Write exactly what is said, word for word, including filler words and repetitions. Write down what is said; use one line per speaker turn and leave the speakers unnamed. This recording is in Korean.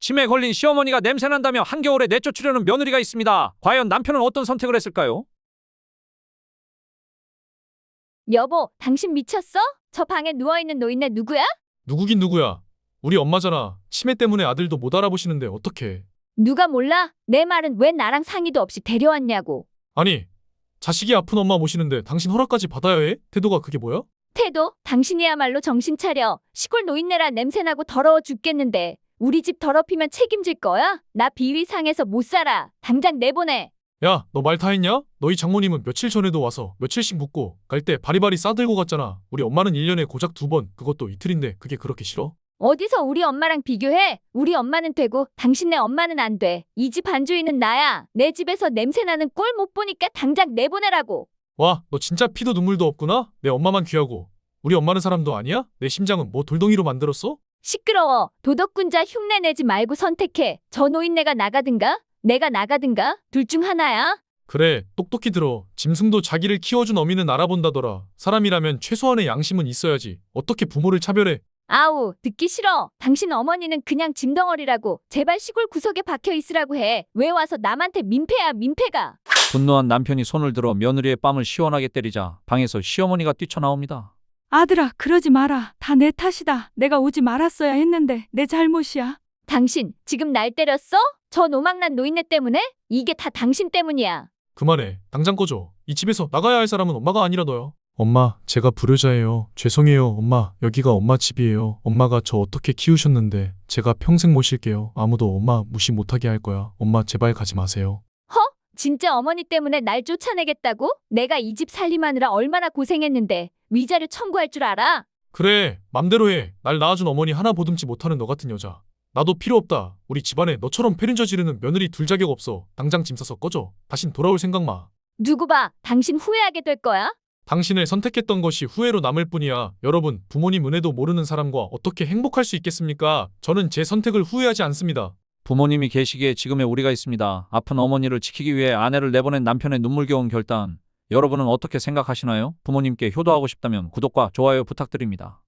치매에 걸린 시어머니가 냄새난다며 한겨울에 내쫓으려는 며느리가 있습니다. 과연 남편은 어떤 선택을 했을까요?
여보, 당신 미쳤어? 저 방에 누워있는 노인네 누구야?
누구긴 누구야. 우리 엄마잖아. 치매 때문에 아들도 못 알아보시는데 어떡해.
누가 몰라? 내 말은 왜 나랑 상의도 없이 데려왔냐고.
아니, 자식이 아픈 엄마 모시는데 당신 허락까지 받아야 해? 태도가 그게 뭐야?
태도? 당신이야말로 정신 차려. 시골 노인네라 냄새나고 더러워 죽겠는데 우리 집 더럽히면 책임질 거야? 나 비위 상해서 못 살아. 당장 내보내.
야, 너 말 다 했냐? 너희 장모님은 며칠 전에도 와서 며칠씩 묵고 갈 때 바리바리 싸들고 갔잖아. 우리 엄마는 일 년에 고작 두 번, 그것도 이틀인데 그게 그렇게 싫어?
어디서 우리 엄마랑 비교해? 우리 엄마는 되고 당신네 엄마는 안 돼. 이 집 안주인은 나야. 내 집에서 냄새나는 꼴 못 보니까 당장 내보내라고.
와, 너 진짜 피도 눈물도 없구나? 내 엄마만 귀하고. 우리 엄마는 사람도 아니야? 내 심장은 뭐 돌덩이로 만들었어?
시끄러워. 도덕군자 흉내 내지 말고 선택해. 저 노인네가 나가든가? 내가 나가든가? 둘 중 하나야.
그래, 똑똑히 들어. 짐승도 자기를 키워준 어미는 알아본다더라. 사람이라면 최소한의 양심은 있어야지. 어떻게 부모를 차별해?
아우, 듣기 싫어. 당신 어머니는 그냥 짐덩어리라고. 제발 시골 구석에 박혀 있으라고 해. 왜 와서 남한테 민폐야, 민폐가.
분노한 남편이 손을 들어 며느리의 뺨을 시원하게 때리자 방에서 시어머니가 뛰쳐나옵니다.
아들아, 그러지 마라. 다 내 탓이다. 내가 오지 말았어야 했는데 내 잘못이야.
당신 지금 날 때렸어? 저 노망난 노인네 때문에? 이게 다 당신 때문이야.
그만해. 당장 꺼져. 이 집에서 나가야 할 사람은 엄마가 아니라 너야. 엄마, 제가 불효자예요. 죄송해요. 엄마, 여기가 엄마 집이에요. 엄마가 저 어떻게 키우셨는데 제가 평생 모실게요. 아무도 엄마 무시 못하게 할 거야. 엄마, 제발 가지 마세요.
허? 진짜 어머니 때문에 날 쫓아내겠다고? 내가 이 집 살림하느라 얼마나 고생했는데 위자료 청구할 줄 알아?
그래, 맘대로 해. 날 낳아준 어머니 하나 보듬지 못하는 너 같은 여자. 나도 필요 없다. 우리 집안에 너처럼 패륜저 지르는 며느리 둘 자격 없어. 당장 짐 싸서 꺼져. 다신 돌아올 생각 마.
두고 봐. 당신 후회하게 될 거야.
당신을 선택했던 것이 후회로 남을 뿐이야. 여러분, 부모님 은혜도 모르는 사람과 어떻게 행복할 수 있겠습니까? 저는 제 선택을 후회하지 않습니다.
부모님이 계시기에 지금의 우리가 있습니다. 아픈 어머니를 지키기 위해 아내를 내보낸 남편의 눈물겨운 결단. 여러분은 어떻게 생각하시나요? 부모님께 효도하고 싶다면 구독과 좋아요 부탁드립니다.